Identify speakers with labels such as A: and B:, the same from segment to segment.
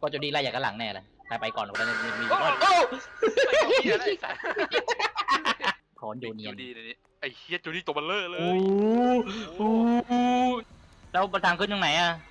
A: ก็จูดี้ไล่อย่างกันหลังแน่เลยใครไปก่อนคนนั้นมี
B: โอ้
A: ก้อน
B: โหเฮียอะไรสัตว์
A: ถอนโยเนีย
B: จู
A: น
B: ดี้ในนี้ไอ้เฮียจูดี้ตัวเบลเลอร์เล
A: โอ้
B: ย
A: โหแล้วทางขึ้นตรงไหนอ่ะ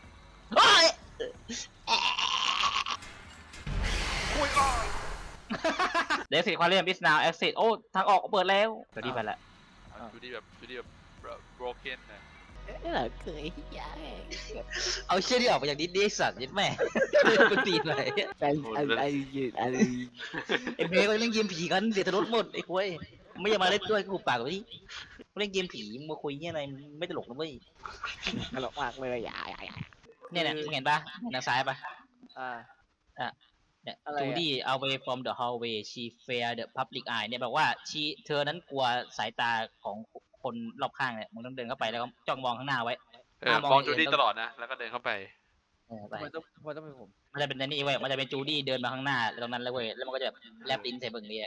B: คุยก่อน
A: เด็กสิควาเรียมบิสนาเอ็กซิสโอ้ทางออกเปิดแล้วจูดี้ไปละ
B: จูดี้แบบbroken นะ
A: นี่แหละเคยเอาเชี่ยที่ออกมาจากดิสนีย์สัตว์ยัดแม่กูตีเลย
C: ไอ้ยืดอะไร
A: ไอ้เมย์ก็เล่นเกมผีกันเสียทรสหมดไอ้คุยไม่อยากมาเล่นด้วยกูปากแบบนี้เล่นเกมผีมาคุยเนี่ยอะไรไม่ตลกนะเว้ย
C: ตลกมากเลยอย่า
A: เนี่ยมึงเห็นปะทางซ้ายปะ เนี่ย
C: อะไร
A: จูดี้ away from the hallway she fear the public eye เนี่ยแบบว่าเธอนั้นกลัวสายตาของคนรอบข้างเนี่ยมึงต้องเดินเข้าไปแล้วก็จ้องมองข้างหน้าไว้
B: มองจูดี้ตลอดนะแล้วก็เดินเข้าไป
A: ไป
C: ทำไมต้องเป็นผม
A: มันจะเป็นนี่เว้ยมันจะเป็นจูดี้เดินมาข้างหน้าตรงนั้นแล้วเว้ยแล้วมันก็จะแบบแลบลิ้นใส่เบิ่งนี่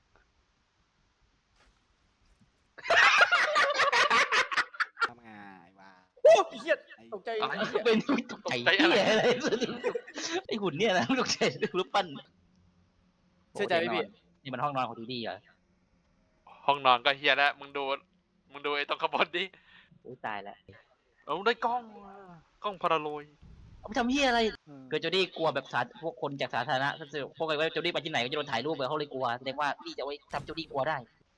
C: ทำไงวะ
B: โอ้เฮีย
C: ตกใจ
B: อะไร
A: เป็นตกใจอะไรไอหุ่นเนี่ยนะตกใจรูปปั้น
C: เชื่อใจไหมพี่
A: นี่มันห้องนอนของจูดี้เหรอ
B: ห้องนอนก็เฮียแล้วมึงดูไอ้ตรงขบวนดิ
A: โอ้ตายแล้ว
B: เอาได้กล้องพาราโรย
A: เอาไปทำเฮียอะไรเกิดจูดี้กลัวแบบพวกคนจากสาธารณะพวกอะไรว่าจูดี้ไปที่ไหนก็จะโดนถ่ายรูปเลยเขาเลยกลัวแสดงว่าพี่จะไว้ทำจูดี้กลัวได้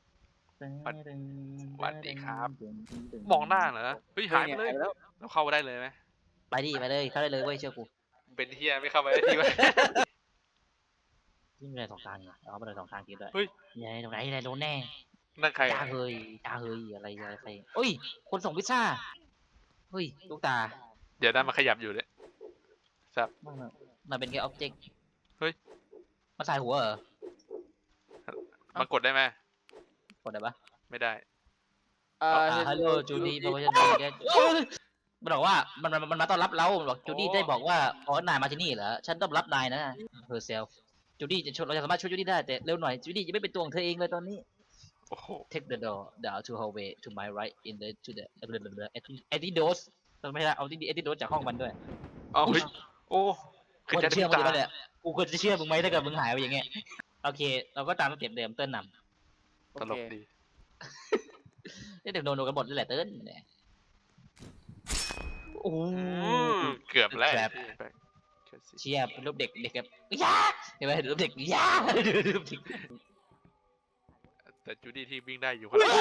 B: สวัสดีครับมองหน้าเหรอเฮ้ยหายไปเลย
C: แล้ว
B: เราเข้าได้เลยไหม
A: ไปดิไปเลยเข้าได้เลยเว้ยเชื่อกู
B: เป็นเฮียไม่เข้าไปได้ทีวะ
A: ที่มีอะไรสองทางอ่ะเอาไปเลยสองทางกินด้วย
B: เฮ้ย
A: ยังไงตรงไหนอะไรโดนแน่
B: นั่นใคร
A: จ้าเฮยอะไรใครเอ้ยคนส่งพิซซ่าเฮ้ยลูกตา
B: เดี๋ยวนั้นมันขยับอยู่เลย
A: มันเป็นแค่อ็อบเจกต์
B: เฮ้ย
A: มันใส่หัวเหรอ
B: มันกดได้ไหม
A: กดได้ปะ
B: ไม่ได้
A: ฮัลโหลจูดี้เพราะว่าจะแกมันบอกว่ามันมาต้อนรับเราบอกจูดี้ได้บอกว่าอ๋อนายมาที่นี่เหรอฉันต้องรับนายนะ herself จูดี้จะช่วยเราจะสามารถช่วยจูดี้ได้แต่เร็วหน่อยจูดี้จะไม่เป็นตัวของเธอเองเลยตอนนี้
B: โอ้โห
A: take the door down to hallway to my right in the to the antidote ไม่ได้เอาantidote จากห้องมันด้วย
B: เอาเฮ้ยโอ้
A: ค
B: คือ
A: วร
B: จะ
A: จะเชื่อมึง
B: ตา
A: ไหมเนี่ยกูควรจะเชื่อมึงไหมถ้าเกิดมึงหายไปอย่างเงี้ยโอเคเราก็ตามสเต็ปเดิมเติ้ลน
B: ตลกดี
A: ำเดี๋ยวโดนกันหมดนี่แหละเติ้ลเนี่ยโอ้
B: เกือบแล้ว
A: เชียร์เป็นรูปเด็กแบบยาเห็นไหมรูปเด็กยารูปเด็ก
B: แต่จูดี้ที่วิ่งได้อยู่คนละ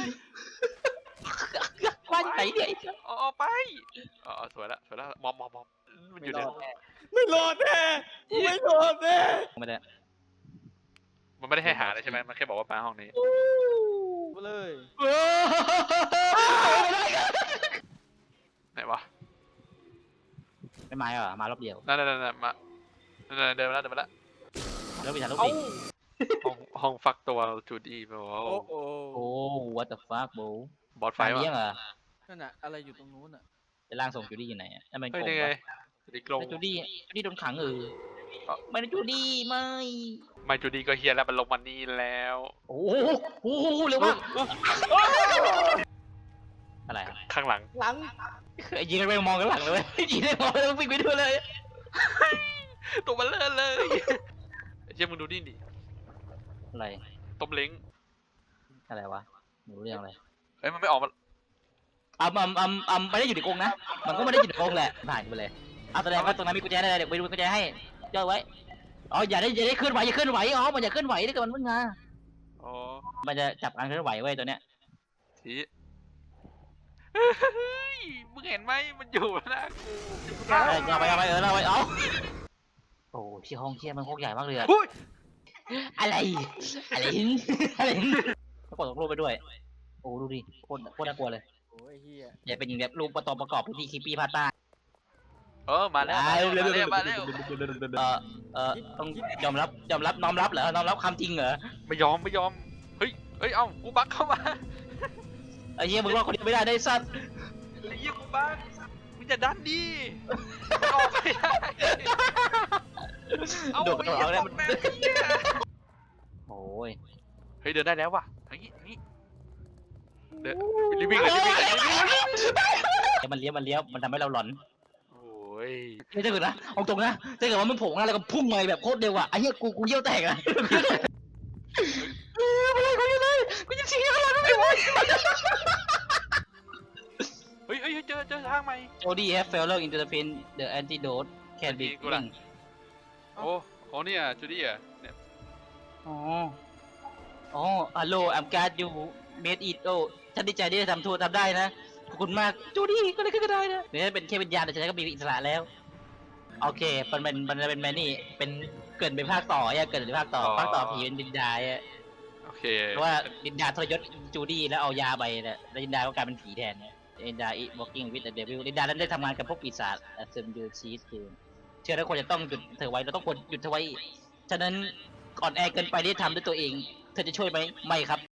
A: ควันไหนเนี่ย
B: อ๋อไปอ๋อสวยละมอมมันอยู่ใน
C: ไม่รอดแน่ไม่รอดแน่
A: ไม่ได้
B: มันไม่ได้ให้หาเลยใช่ไหมมันแค่บอกว่ามาห้องนี้
C: มาเลย
B: ไหนวะ
A: ไม่มาเหรอมารอบเดียว
B: นั่นมาเดินมาแล้ว
A: แล้วไปถ่ายรูป
C: เอ้า
A: ดิ
B: ห้องฟักตัวจูดี้แบบว่า
C: โอ้โห
A: โอ้ what the fuck bro
B: บอสไฟ
A: ไฟ
B: วะ
A: เลี้ยงเหรอ
C: นั่นน่ะอะไรอยู่ตรงนู้นอ่ะ
A: จะล่างส่งจูดี้อยู่ไหนอ่ะนั่นมัน
B: เฮ้ย
A: โกง
B: นี่ไง
A: ปะ
B: จูดี้กลง
A: จูดี้โดนขังไม่ได้จูดี้ไม่
B: ไม่จูดี้ก็เฮียแล้วมันลงมานี่แล้ว
A: โอ้โหเร็วมากอะไร
B: ข้างหลัง
C: หลัง
A: ยิงกันไปมองกันหลังเลย ยิงได้มองแล้ววิ่งไปด้วยเลย
B: ตัวมันเลื่อนเลยเชี่ยมึงดูนี่ดิ
A: อะไร
B: ต้มเล้ง
A: อะไรวะไม่รู้เรื่องอะไร
B: เอ้ยมันไม่ออกมา
A: ไม่ได้อยู่ในกรงนะมันก็ไม่ได้อยู่ในกรงแหละผ่านไปเลยเอาแสดงว่าตรงนั้นมีกุญแจได้เดี๋ยวไปดูกุญแจให้ย่อไว้อ๋ออย่าได้เคลื่อนไหวอ๋อมันอย่าเคลื่อนไหวถ้าเกิดมันมึงงา
B: อ๋อ
A: มันจะจับการเคลื่อนไหวไว้ตัวเนี้ย
B: ทีมึงเห็นไหมมันอยู่นะกู
A: เอาไปเอาโอ้ที่ห้องเที่ยมันโคตรใหญ่มากเลยอะ
B: หุ้ย
A: อะไรแล้วกดรูปไปด้วยโอ้ดูดิโคตรน่ากลัวเลย
C: โอ้ยเฮีย
A: อย่าเป็นอย่างแบบรูปประกอบพิธีคิปปี้พาต้า
B: มาแล้ว
A: ต้องยอมรับน้อมรับเหรอน้อมรับความจริงเหรอ
B: ไม่ยอมเฮ้ยเอ้ากูบักเข้ามา
A: ไอ้เหี้ยมึงรอดคนเดียวไม่ได้ได้สัตว์
B: ไอ้เหี้ยกูบักมึงจะดันดิออกไม่ได้เอา
A: โดดกระโดดเอาแล้วมัน
B: แม่เหี้ย
A: โอ้ย
B: เฮ้ยเดินได้แล้วว่ะอย่างนี้เดินรีบวิ่งเลย
A: มันเลี้ยวมันทำให้เราหลอน
B: โอ้ยย
A: ไม่ใช่เกิดนะเอาตรงนะถ้าเกิดว่ามันโผล่มาแล้วก็พุ่งมาแบบโคตรเร็วอ่ะไอ้เหี้ยกูเยี่ยวแตกอ่ะไม่ได้กูยังเลยกูยังชี้อะไรไม่ไหว
B: เฮ้ยเจอทางใหม่
A: Jody have failed into the pin the antidote can be
B: กูล่ะ โอ้เนี่ยจูดี้อ่ะเนี่ย
A: อ๋อฮัลโหล I'm glad you made it โอ้ฉันดีใจที่ได้ทำได้นะขอบคุณมากจูดี้ก็เลยขึ้นก็ได้นะเนี่ยเป็นแค่วิญญาณแต่ฉันก็มีอิสระแล้วโอเคมันเป็นแมนนี่เป็นเกิดเป็นภาคต่ออ่ะเกิดเป็นภาคต่อผีเป็นวิญญาณอ่ะ
B: โอเค
A: เพราะว่าวิญญาณทรยศจูดี้แล้วเอายาไปเนี่ยแล้ววิญญาณก็กลายเป็นผีแทนเนี่ยวิญญาณ walking with the devil วิญญาณนั้นได้ทำงานกับพวกปีศาจเซมยูชีสคือเชื่อแล้วควรจะต้องหยุดเธอไว้เราต้องควรหยุดเธอไว้ฉะนั้นก่อนแอร์เกินไปที่ทำด้วยตัวเองเธอจะช่วยไหมไม่ครับ